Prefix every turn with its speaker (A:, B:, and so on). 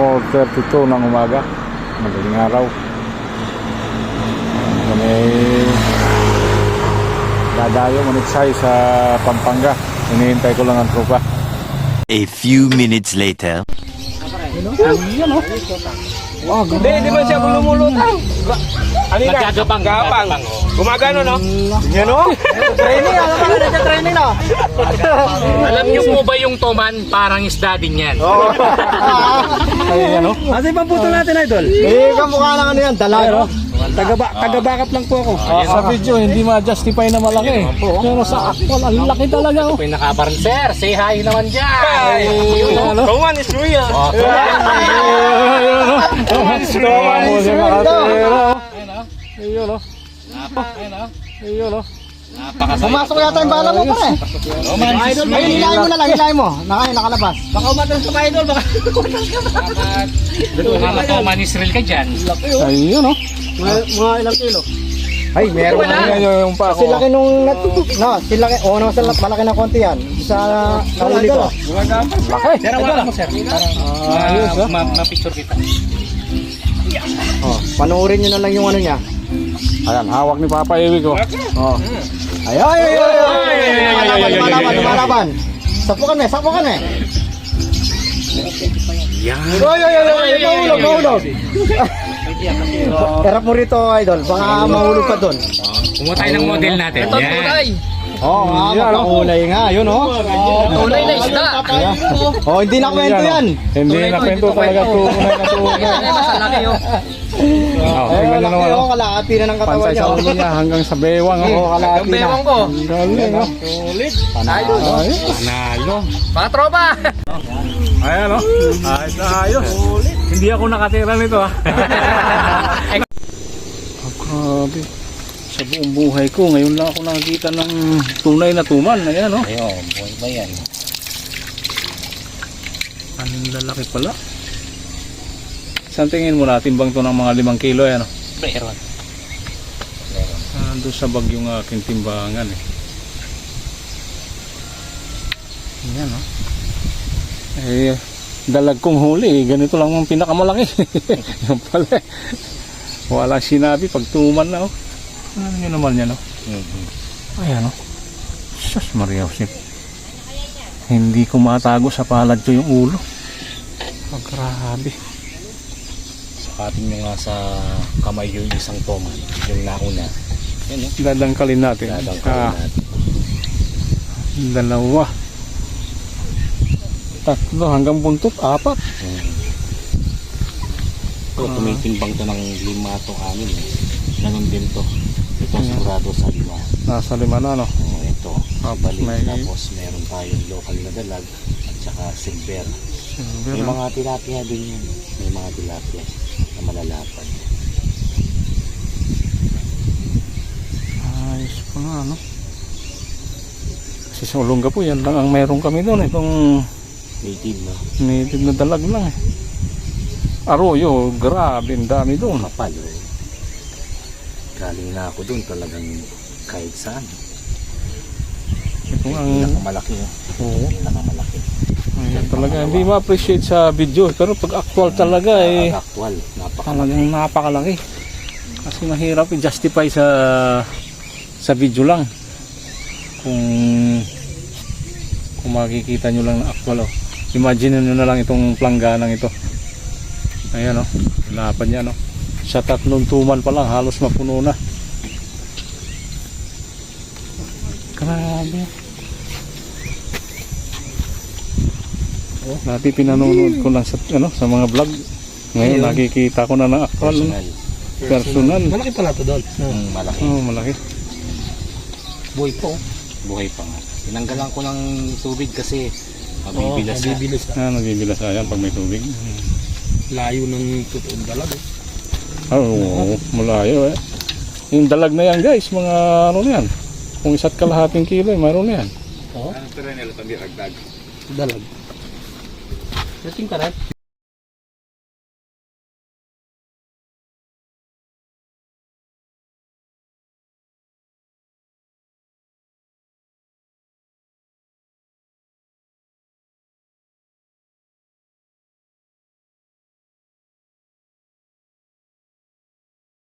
A: 4:32 ng umaga. Madaling araw. Kami dadayo maniksay sa Pampanga. Hinihintay ko lang ang tropa.
B: A few minutes later.
A: Yan o. Wow,
C: Hindi man siya lumulutang. Ano yun? Gagapang. Gumagano, no? Yan, no?
D: Training, alam mo na training na.
E: Alam niyo po ba yung toman, parang isda din yan?
A: ay yan o.
D: Asa yung pamputo natin, idol?
C: Kamukha lang ano yan, dalaga.
D: Taga-backup lang po ako.
A: Sa video, hindi ma-justify na malaki. Pero sa actual, ang laki talaga o.
E: May nakabarn, sir. Say hi naman dyan.
C: Roman is real.
A: Ayun o. Ayun o.
D: Pumasok yata yung bala mo pa eh. Idol, ayun, hilahin mo na lang, hilahin mo. Nakalabas. Baka umatras ka pa, idol. Baka
E: Mga toman Israel ka dyan.
A: Ayun o.
D: mga ilang kilo.
C: Ay, meron
A: Yung pa
D: Kasi laki nung malaki na konti yan. Sa nahuli ko.
A: laki.
E: Sir, wala mo, sir.
A: Ayos o.
E: Ma-picture kita.
D: Oh, panoorin nyo na lang yung ano niya.
A: Ayan, hawak ni Papa Iwi ko. Oh.
D: Ay. Lumalaban. Sapukan eh. Mahulog. Erap mo rito, idol. Baka mahulog ka doon.
E: Kumuha tayo ng model natin. Yan.
D: Oo, makakulay nga. Yun, oh.
E: Tunay na isda.
D: Oh, hindi na kwento yan.
A: Hindi na kwento talaga tunay na tunay. Tingnan nyo naman o.
D: Kalahati na ng katawan
A: Pansay
D: niya.
A: sa ulo niya hanggang sa bewang o.
D: Oo, kalahati na.
E: ko.
A: Ang galing o. Ayos.
E: Panalo. Mga tropa.
A: Ayan o. Ayos na ayos. Hindi ako nakatira nito ha. Grabe. Sa buong buhay ko, ngayon lang ako nakakita ng tunay na tuman. Ayan o.
E: Ayun, buhay ba yan?
A: Ang lalaki pala. Saan tingin mo natin bang to ng mga 5 kilo yan o?
E: Meron.
A: Doon sa bag yung aking timbangan eh. Ayan o. Dalag kong huli, ganito lang ang pinakamalaki. Yan pala eh. Walang sinabi pag tuman na o. Ano nyo naman yan o? Ayan o. Sus Maria Josep. Hindi ko matago sa palad ko yung ulo. Oh, grabe.
E: Sakatin nyo nga sa kamay yung isang toman. Yung nauna. Yan o.
A: Dadangkalin natin.
E: Dadangkalin natin.
A: Dalawa. 3 hanggang buntot, 4.
E: Ito, tumitimbang to ng 5 to 6. Ganun din to. Ito sigurado sa 5.
A: Nasa 5 na no.
E: Ito.
A: Tapos
E: Balik.
A: may-
E: Tapos meron tayong local na dalag at saka silver. May mga tilapia din yan. May mga tilapia na malalapad.
A: Ayos pa nga no. Kasi sa Olonga po yan lang ang meron kami doon. Itong
E: Native na.
A: native na dalag lang eh. Arroyo, grabe ang dami doon.
E: Kapal. Galing na ako dun talagang kahit saan.
A: Itong ang
E: Pinakamalaki.
A: oo,
E: Pinakamalaki.
A: ayun, talaga hindi ma-appreciate sa video pero pag actual talaga eh
E: Actual.
A: talagang napakalaki. Kasi mahirap i-justify sa video lang. Kung makikita nyo lang na actual oh. Imagine nyo na lang itong plangganang ito. Ayan o, lapad niya no. Sa 3 tuman pa lang halos mapuno na. Grabe. Dati pinanonood ko lang sa mga vlog. Ngayon nakikita ko na ng actual. Personal.
D: Malaki pala to doon.
E: Malaki.
A: Oh, malaki.
E: Buhay po. Buhay pa nga. Tinanggalan ko ng tubig kasi mabibilas na.
A: Nabibilas ayan pag may tubig.
D: Layo ng totoong dalag.
A: Oo, malayo eh. Yung dalag na yan guys, mga ano na yan. Kung 1.5 kilo, mayroon na yan.
D: Dalag. Dating karat.